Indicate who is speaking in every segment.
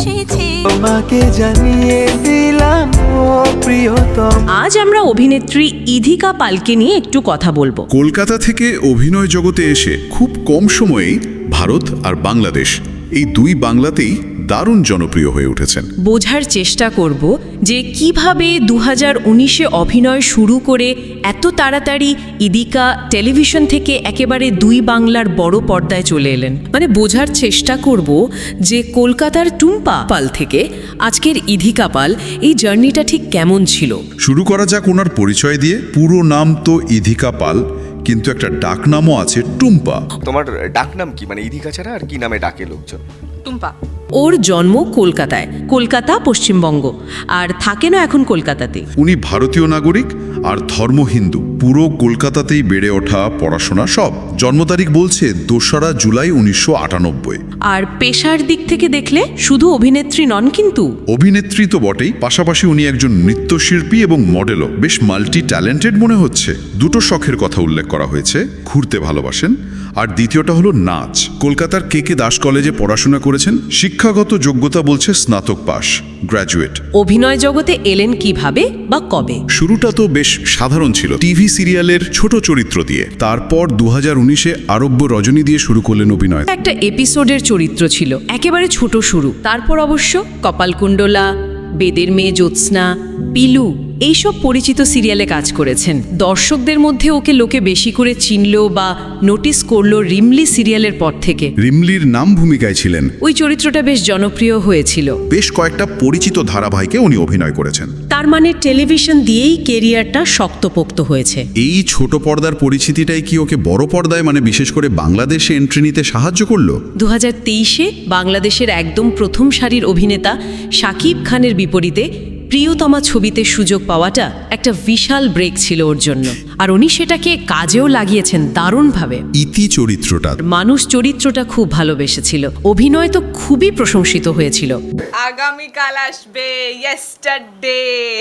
Speaker 1: এসেছে,
Speaker 2: তোমাকে জানিয়ে দিলাম ও প্রিয়তম।
Speaker 3: আজ আমরা অভিনেত্রী ইধিকা পালকে নিয়ে একটু কথা বলবো।
Speaker 4: কলকাতা থেকে অভিনয় জগতে এসে খুব কম সময়েই ভারত আর বাংলাদেশ এই দুই বাংলাতেই দারুণ জনপ্রিয় হয়ে উঠেছেন।
Speaker 3: বোঝার চেষ্টা করব যে কিভাবে 2019-এ অভিনয় শুরু করে এত তাড়াতাড়ি ইদিকা টেলিভিশন থেকে একেবারে দুই বাংলার বড় পর্দায় চলে এলেন। মানে বোঝার চেষ্টা করব যে কলকাতার টুম্পা পাল থেকে আজকের ইধিকা পাল, এই জার্নিটা ঠিক কেমন ছিল।
Speaker 4: শুরু করা যাক ওনার পরিচয় দিয়ে। পুরো নাম তো ইধিকা পাল, কিন্তু একটা ডাকনামও আছে টুম্পা।
Speaker 5: তোমার ডাকনাম কি, মানে ইধিকা ছাড়া আর কি নামে ডাকে লোকজন?
Speaker 1: টুম্পা।
Speaker 3: ওর জন্ম কলকাতায়, কলকাতা পশ্চিমবঙ্গ, আর থাকেনও এখন কলকাতাতে।
Speaker 4: উনি ভারতীয় নাগরিক আর ধর্ম হিন্দু। পুরো কলকাতাতেই বেড়ে ওঠা, পড়াশোনা সব। জন্ম তারিখ বলছে 2রা জুলাই 1998।
Speaker 3: আর পেশার দিক থেকে দেখলে শুধু অভিনেত্রী নন কিন্তু।
Speaker 4: অভিনেত্রী তো বটেই, পাশাপাশি উনি একজন নৃত্যশিল্পী এবং মডেলও। বেশ মাল্টি ট্যালেন্টেড মনে হচ্ছে। দুটো শখের কথা উল্লেখ করা হয়েছে, ঘুরতে ভালোবাসেন আর দ্বিতীয়টা হলো নাচ। কলকাতার কে দাস কলেজে পড়াশোনা করেছেন। শিক্ষাগত যোগ্যতা বলছে স্নাতক পাস, গ্র্যাজুয়েট।
Speaker 3: অভিনয় জগতে এলেন কিভাবে বা কবে?
Speaker 4: শুরুটা তো বেশ সাধারণ ছিল, টিভি সিরিয়ালের ছোট চরিত্র দিয়ে। তারপর 2019-এ আরব্য রজনী দিয়ে শুরু করলেন অভিনয়।
Speaker 3: একটা এপিসোডের চরিত্র ছিল, একেবারে ছোট শুরু। তারপর অবশ্য কপালকুণ্ডলা, বেদের মেয়ে জ্যোৎস্না, পিলু, এইসব পরিচিত সিরিয়ালে কাজ করেছেন। দর্শকদের মধ্যে ওকে লোকে বেশি করে চিনলো বা নোটিস করলো রিমলি সিরিয়ালের পর থেকে।
Speaker 4: রিমলির নাম ভূমিকায় ছিলেন।
Speaker 3: ওই চরিত্রটা বেশ জনপ্রিয় হয়েছিল।
Speaker 4: বেশ কয়েকটা পরিচিত ধারাবাহিকে উনি অভিনয় করেছেন।
Speaker 3: তার মানে টেলিভিশন দিয়েই কেরিয়ারটা শক্তপোক্ত হয়েছে।
Speaker 4: এই ছোট পর্দার পরিচিতিটাই কি ওকে বড় পর্দায়, মানে বিশেষ করে বাংলাদেশে এন্ট্রি নিতে সাহায্য করলো?
Speaker 3: 2023-এ বাংলাদেশের একদম প্রথম সারির অভিনেতা শাকিব খানের বিপরীতে প্রিয়তমা ছবিতে সুযোগ পাওয়াটা একটা বিশাল ব্রেক ছিল ওর জন্য। আর উনি সেটাকে কাজেও লাগিয়েছেন দারুণভাবে।
Speaker 4: ইতি চরিত্রটা,
Speaker 3: মানুষ চরিত্রটা খুব ভালোবেসেছিল। অভিনয় তো খুবই প্রশংসিত হয়েছিল।
Speaker 1: আগামীকাল আসবে, ইয়েস্টারডে।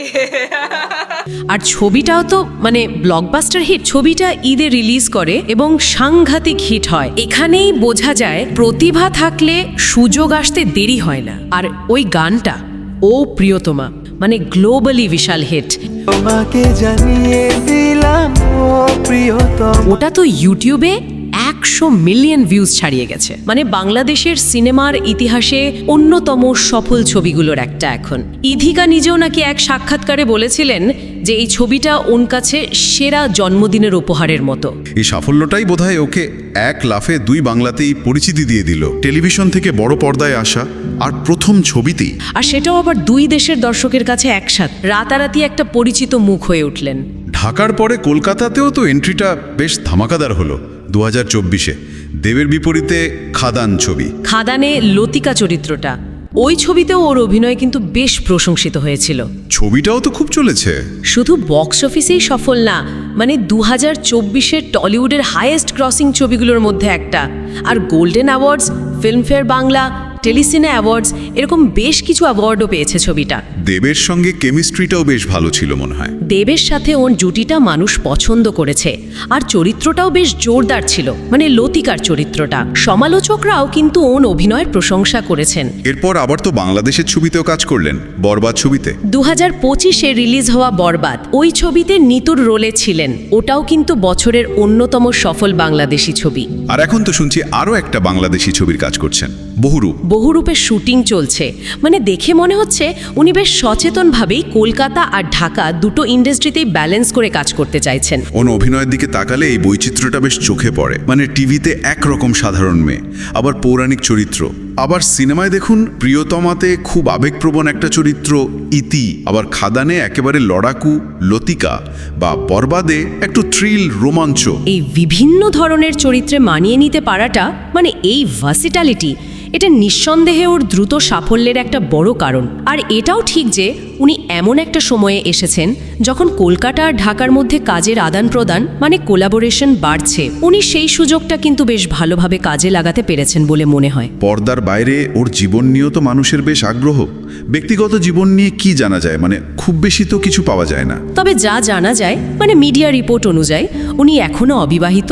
Speaker 3: আর ছবিটাও তো মানে ব্লকবাস্টার হিট। ছবিটা ঈদে রিলিজ করে এবং সাংঘাতিক হিট হয়। এখানেই বোঝা যায় প্রতিভা থাকলে সুযোগ আসতে দেরি হয় না। আর ওই গানটা, ও প্রিয়তমা, মানে গ্লোবালি বিশাল হিট।
Speaker 2: তোমাকে জানিয়ে দিলাম ও প্রিয়তম।
Speaker 3: ওটা তো ইউটিউবে 100 মিলিয়ন ভিউজ ছাড়িয়ে গেছে। মানে বাংলাদেশের সিনেমার ইতিহাসে অন্যতম সফল ছবিগুলোর একটা এখন। ইধিকা নিজেও নাকি এক সাক্ষাৎকারে বলেছিলেন যে এই ছবিটা ওর কাছে সেরা জন্মদিনের উপহারের মতো।
Speaker 4: এই সাফল্যটাই বোধহয় ওকে এক লাফে দুই বাংলাতেই পরিচিতি দিয়ে দিল। টেলিভিশন থেকে বড় পর্দায় আসা, আর প্রথম ছবিতেই।
Speaker 3: আর সেটাও আবার দুই দেশের দর্শকের কাছে একসাথে। রাতারাতি একটা পরিচিত মুখ হয়ে উঠলেন।
Speaker 4: ঢাকার পরে কলকাতাতেও তো এন্ট্রিটা বেশ ধামাকাদার হলো 2024-এ। দেবের বিপরীতে খাদান ছবি।
Speaker 3: খাদানে লতিকা চরিত্রটা, ওই ছবিতেও ওর অভিনয় কিন্তু বেশ প্রশংসিত হয়েছিল।
Speaker 4: ছবিটাও তো খুব চলেছে।
Speaker 3: শুধু বক্স অফিসেই সফল না, মানে 2024-এর টলিউডের হাইয়েস্ট ক্রসিং ছবিগুলোর মধ্যে একটা। আর golden awards, Filmfare Bangla, Telecine awards, এরকম বেশ কিছু অ্যাওয়ার্ডও পেয়েছে ছবিটা।
Speaker 4: দেবের সঙ্গে কেমিস্ট্রিটাও বেশ ভালো ছিল মনে হয়।
Speaker 3: দেবের সাথে ওর জুটিটা মানুষ পছন্দ করেছে। আর চরিত্রটাও বেশ জোরদার ছিল, মানে লতিকার চরিত্রটা। সমালোচকরাও কিন্তু ওর অভিনয়ের প্রশংসা করেছেন।
Speaker 4: এরপর আবার তো বাংলাদেশের ছবিতেও কাজ করলেন, বরবাদ ছবিতে।
Speaker 3: 2025-এ রিলিজ হওয়া বরবাদ, ওই ছবিতে নিতুর রোলে ছিলেন। ওটাও কিন্তু বছরের অন্যতম সফল বাংলাদেশি ছবি।
Speaker 4: আর এখন তো শুনছি আরও একটা বাংলাদেশি ছবির কাজ করছেন, বহুরূপ।
Speaker 3: বহুরূপের শুটিং চলছে। মানে দেখে মনে হচ্ছে উনি বেশ সচেতনভাবেই কলকাতা আর ঢাকা দুটো ইন্ডাস্ট্রিতেই ব্যালেন্স করে কাজ করতে চাইছেন।
Speaker 4: ওর অভিনয়ের দিকে তাকালে এই বৈচিত্র্যটা বেশ চোখে পড়ে। মানে টিভিতে একরকম সাধারণ মেয়ে, আবার পৌরাণিক চরিত্র, আবার সিনেমায় দেখুন প্রিয়তমাতে খুব আবেগপ্রবণ একটা চরিত্র ইতি, আবার খাদানে একেবারে লড়াকু লতিকা, বা বরবাদে একটু থ্রিল রোমাঞ্চ।
Speaker 3: এই বিভিন্ন ধরনের চরিত্রে মানিয়ে নিতে পারাটা, মানে এই ভার্সিটালিটি, এটা নিঃসন্দেহে ওর দ্রুত সাফল্যের একটা বড় কারণ। আর এটাও ঠিক যে উনি এমন একটা সময়ে এসেছেন যখন কলকাতা আর ঢাকার মধ্যে কাজের আদান প্রদান, মানে কোলাবোরেশন বাড়ছে। উনি সেই সুযোগটা কিন্তু বেশ ভালোভাবে কাজে লাগাতে পেরেছেন বলে মনে হয়।
Speaker 4: পর্দার বাইরে ওর জীবন নিয়েও তো মানুষের বেশ আগ্রহ। ব্যক্তিগত জীবন নিয়ে কি জানা যায়? মানে খুব বেশি তো কিছু পাওয়া যায় না।
Speaker 3: তবে যা জানা যায়, মানে মিডিয়া রিপোর্ট অনুযায়ী উনি এখনো অবিবাহিত।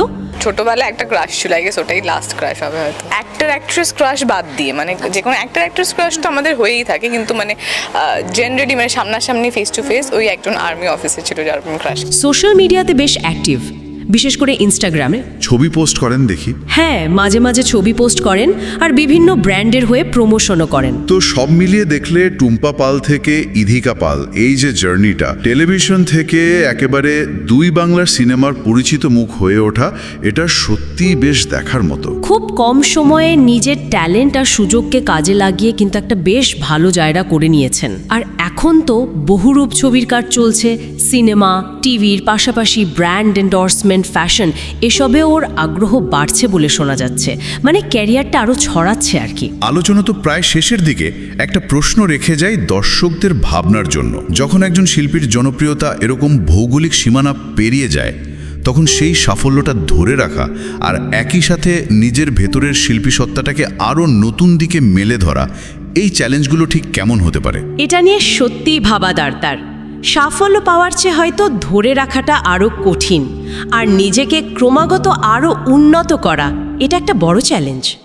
Speaker 1: ছোটবেলায় একটা ক্রাশ ছিল, আই গেস ওটাই লাস্ট ক্রাশ হবে হয়তো। অ্যাক্টর অ্যাক্ট্রেস ক্রাশ বাদ দিয়ে, মানে যে কোনো অ্যাক্টর অ্যাক্ট্রেস ক্রাশ তো আমাদের হয়েই থাকে, কিন্তু মানে জেনারেলি মানে সামনাসামনি ফেস টু ফেস ওই একজন আর্মি অফিসার ছিল যার ক্রাশ।
Speaker 3: সোশ্যাল মিডিয়াতে বেশ অ্যাক্টিভ, বিশেষ করে ইনস্টাগ্রামে।
Speaker 4: ছবি পোস্ট করেন দেখি।
Speaker 3: হ্যাঁ, মাঝে মাঝে ছবি পোস্ট করেন আর বিভিন্ন ব্র্যান্ডের হয়ে প্রমোশনও করেন।
Speaker 4: তো সব মিলিয়ে দেখলে টুম্পা পাল থেকে ইধিকা পাল এই যে জার্নিটা, টেলিভিশন থেকে একেবারে দুই বাংলার সিনেমার পরিচিত মুখ হয়ে ওঠা, এটা সত্যিই বেশ দেখার মতো।
Speaker 3: খুব কম সময়ে নিজের ট্যালেন্ট আর সুযোগকে কাজে লাগিয়ে কিন্তু একটা বেশ ভালো জায়গা করে নিয়েছেন। আর এখন তো বহুরূপ ছবির কাজ চলছে, সিনেমা, টিভির পাশাপাশি ব্র্যান্ড এন্ডোর্সমেন্ট, ফ্যাশন, এসবে ওর আগ্রহ বাড়ছে বলে শোনা যাচ্ছে। মানে ক্যারিয়ারটা আরো ছড়াচ্ছে আর কি।
Speaker 4: আলোচনা তো প্রায় শেষের দিকে। একটা প্রশ্ন রেখে যাই দর্শকদের ভাবনার জন্য। যখন একজন শিল্পীর জনপ্রিয়তা এরকম ভৌগোলিক সীমানা পেরিয়ে যায়, তখন সেই সাফল্যটা ধরে রাখা আর একই সাথে নিজের ভেতরের শিল্পী সত্তাটাকে আরও নতুন দিকে মেলে ধরা, এই চ্যালেঞ্জগুলো ঠিক কেমন হতে পারে?
Speaker 3: এটা নিয়ে সত্যিই ভাবা দরকার। সাফল্য পাওয়ার চেয়ে হয়তো ধরে রাখাটা আরও কঠিন, আর নিজেকে ক্রমাগত আরও উন্নত করা, এটা একটা বড় চ্যালেঞ্জ।